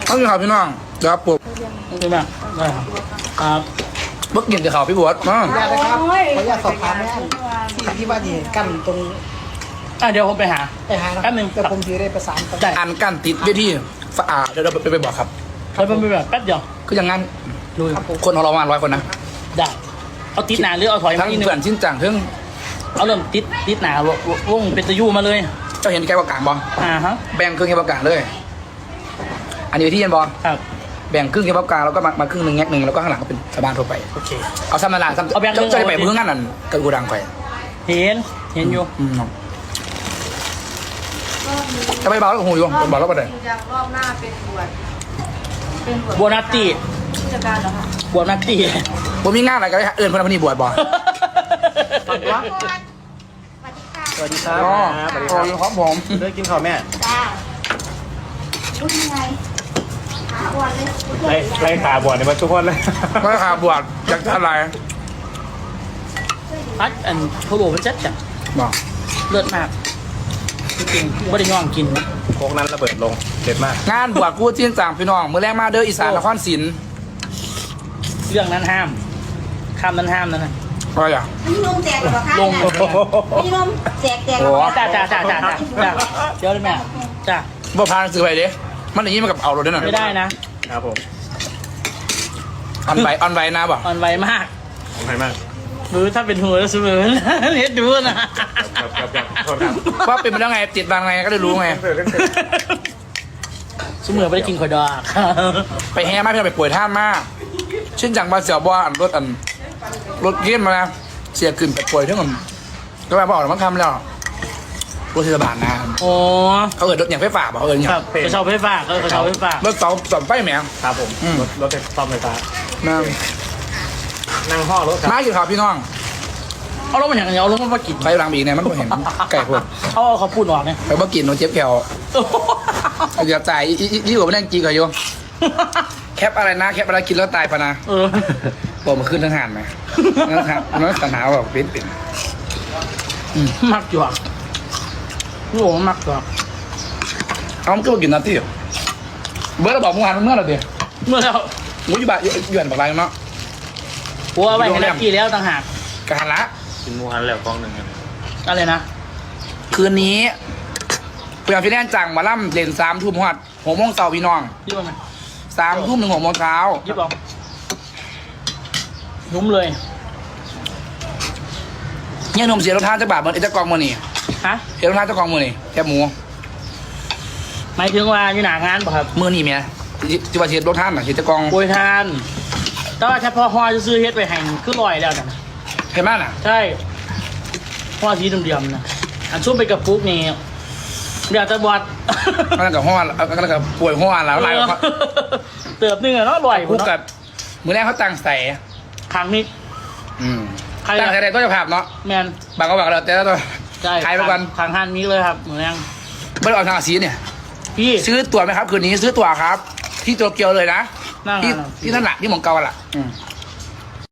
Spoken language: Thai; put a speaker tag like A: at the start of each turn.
A: เอาอยู่ครับพี่น้องเดี๋ยวครับผม
B: ใช่ไหมได้ครับครับ
A: เมื่อกี้จะข่าวพี่บวชมา
C: ขออนุญาตนะครับขออนุญาตสอบถามแม่ที่ว่าที่กั้นตรง
B: เดี๋ยวผมไปหา
C: ไปหานะ
B: แป๊บนึง
C: แต่ผมจะได้ประสานกัน
B: ได้
A: อันกั้นติดเวทีสะอาดเดี๋ยวเราไปบอกครับ
B: แล้วผมไปแบบแป๊บเดียว
A: ก็อย่างงั้น
B: ลุย
A: คนของเราประมาณ100 คนนะ
B: ได้เอาติดหนาหรือเอาถอย
A: ทั้
B: มาง อีกนึง
A: เพื่อนชิ้นจังทั้ง
B: เอาเริ่มติดหนาวงเป็นตะยู่มาเลย
A: เจ้าเห็นแกประกาศบอ
B: ฮะ
A: แบ่งครึ่งแกประกาศเลย อันนี้ที่เย็นบอ
B: ครับ
A: แบ่งครึ่งแกประกาศแล้วก็มาครึ่งหนึ่งแงกหนึ่งแล้วก็ข้างหลังก็เป็นชาวบ้านทั่วไป
B: โอเค
A: เอาซ้ำนานาซ้ำ
B: เอาแบ่งครึ่ง
A: เจ้าจะไปเพื่องั้นนั่นกับกูดังไป
B: เห็นอยู่
A: จะไปเบาแล้วหูอยู่บอกแล้วประเดี๋ยว
D: จากรอบหน้าเป็นบวชเป็นบวช
B: บัวนัตตี้
D: ผู้จัดการเหรอคะ
B: บัวนัตตี้
A: ผมมีงานอะไรกันเอื่นพนักงานบวชบอ
E: สวัสดีครับ
A: อ๋อ
E: สวัสดีครับ
A: ครับผม
E: เลิกกินข้าวแม่
D: จ้ารู้ยังไงหาวันเลย
E: ไล่ขาบวชในมาทุกคนเลย
A: ไม่ขาบวชอยากจะอะไร
B: พัดอันเขาบอกว่าจัดจัด
A: บอก
B: เลือดมากจริงๆไม่ได้ย่องกินนะ
E: โคกนั้นระเบิดลงเด็ดมาก
A: งานบวชกู้จิ้นจางพี่น้องมือแรกมาเด้ออีสานนครศรี
B: เรื่องนั้นห้ามคำนั้นห้ามนั่นนะ
A: อะไรอ่ะ
D: พี่นมแจกเหรอคะ
B: ลง
D: พี่นมแจกเหร
A: โอ้
D: อคะ
B: จ้าเดี๋ยวเลยแม่จ้า
A: บ่พานซื้อไปเด้มันอย่างนี้มันกับเอารถด้วยน่ะ
B: ไม่ได้นะ
E: ครับผม
A: ออนไวนะบ่
B: อ่อนไหวมาก
E: ขอบคุณมาก
B: ดูถ้าเป็นหัวแล้วเสมอเน็ดดูนะ
E: ครับโทษครับ
A: ว่าเป็นไปแล้วไงติดบางไงก็ได้รู้ไง
B: เสมอไม่ได้กินข่อยดอก
A: ไปแห่มาพี่น้องไปป่วยท่านมากเช่นจังบาเสียวบ่อันรถเกี้ยนมานะเสียขึ้นไปป่วยทั้งหมดก็มาบอกมันทำแล้วรถเทศบาลนะ
B: โอ้
A: เขาเอิดรถอย่างไฟฟ้าบอกเขาเอิดอย่า
B: ค
A: ง
B: รับกระเช้าไฟฟ้าก็กระเช้าไฟฟ้าร
A: ถเสาไฟแหมง
E: ครับผมรถซ่อมไฟฟ้า
A: นะ
E: นั่งห่อรถครับ
A: มาอยู่ข่าวพี่น้อง
B: เอาลงมาอย่างเดียวเอาลงมากิน
A: ไปหลังบีกเนี่ยมันก็เห็นไก่พวก
B: เอาเขาพูดออกเนี่ย
A: ไปบ่กินโนเจ็บแขวอย่าจ่ายยี่หัวไม่ได้จีก่อนโยแคปอะไรนะแคปอะไรกินแล้วตายปะนะ
B: เออ
A: บอกมาขึ้นทั้งหานไหมนะครับนั่นปัญหาแบบเป็น
B: มักหยวกลูกมักหยวก
A: เอามันก็มากินนาทีเบิร์ดเราบอกเมื่อวานเมื่อไหร่เดียว
B: เมื่อแล้ว
A: งูอยู่บ้านอยู่บ้านบอกอะไรเนาะ
B: หัวไปให้นักกี่แล้วต่างหาก
A: กหันละ
E: กินหมูหันแล้วกล้องหนึ่งกัน
B: อะไรนะ
A: คืนนี้เพื่อนพี่แน่นจังมาล่ำเล่น3 ทุ่มหอด6 โมงเช้าพี่น้อง
B: ยิบเอาไหม
A: 3 ทุ่มถึง6 โมงเช้า
B: ยิบเอานุ่มเลย
A: เนี่ยหนุ่มเสียรองเท้าจะบาทเหมือนไอ้เจ้ากองมือนี่
B: ฮะ
A: เสียรองเท้าเจ้ากองมือนี่แคบหมู
B: หมายถึงว่าอยู่หนางานป่ะครับ
A: มือนี่เมียที่ว่าเสียรองเท้าน่ะเสียเจ้ากอง
B: โปรยทาน แต่ว่าเฉพาะฮอจะซื้อเฮ็ดไปแห่งคือลอยแล้วนะ
A: เห็นไหมน่ะ
B: ใช่ฮอสีเดียมๆนะอันชุ่มไปกับปุ๊กนี่เดี๋ยวจะบอด
A: ก็แล้วกับห้อก็แล้วกับป่วยห้อแล้วอะไร
B: เติบนึงอะเนาะลอย
A: พูดกับมือแรกเขาตั้งใส่
B: ครั้งนี้ ใคร
A: ตั้งใส่ได้ก็จะภาพเนาะ
B: แมน
A: บางก็บอกเราแต่แล้วตัว
B: ใช่
A: ขายไปก่อน
B: ครั้งฮันนี้เลยครับเหมือนยัง
A: ไม่ได้เอาทางอาซีเนี่ย
B: พี่
A: ซื้อตั๋วไหมครับคืนนี้ซื้อตั๋วครับ ที่โตเกียวเลยนะ
B: นั่ง
A: ที่
B: อ่ะ
A: ที่นั่นแหละที่หมองเกาอะล่ะ